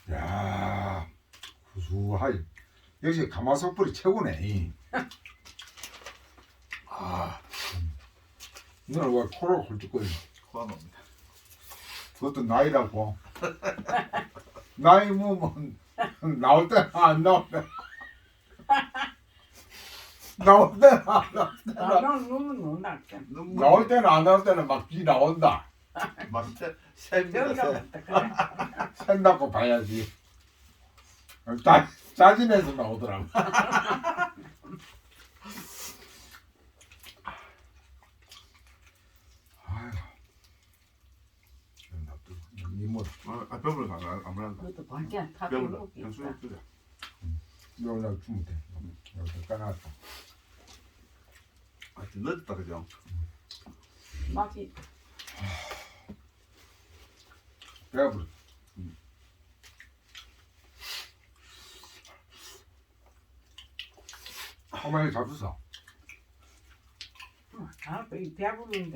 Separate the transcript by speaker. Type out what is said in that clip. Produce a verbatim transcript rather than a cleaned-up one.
Speaker 1: 야, 구수하이. 역시 가마솥불이 최고네. 아, 너는 왜 코로 홀쭉거려?
Speaker 2: 코가 놉니다.
Speaker 1: 그것도 나이라고. 나이 먹으면 나올 때는 안 나올 때. 나올 때는 안 나올 때.
Speaker 3: 나는 너무 놀랐어.
Speaker 2: 눈물
Speaker 1: 나올 때는 안 나올 때는 막 비 나온다.
Speaker 2: 맛있대. 셉니다.
Speaker 3: 여기가
Speaker 2: 셉.
Speaker 3: 맞다 그래.
Speaker 1: 생각고 봐야지. 짜, 짜증내서 나오더라고. 아휴. 이모,
Speaker 2: 아, 아 뼈를 안 아무란다.
Speaker 3: 그것도 반찬 다
Speaker 2: 뼈를
Speaker 3: 들어오고
Speaker 2: 그냥
Speaker 3: 있다.
Speaker 2: 수육 끓여.
Speaker 1: 여기다 주면 돼. 여기다 까놨다.
Speaker 2: 아, 좀 늦었다 그죠?
Speaker 3: 맛이
Speaker 1: 배가 부르. 어머니 잡수어.
Speaker 3: 아, 배부른데.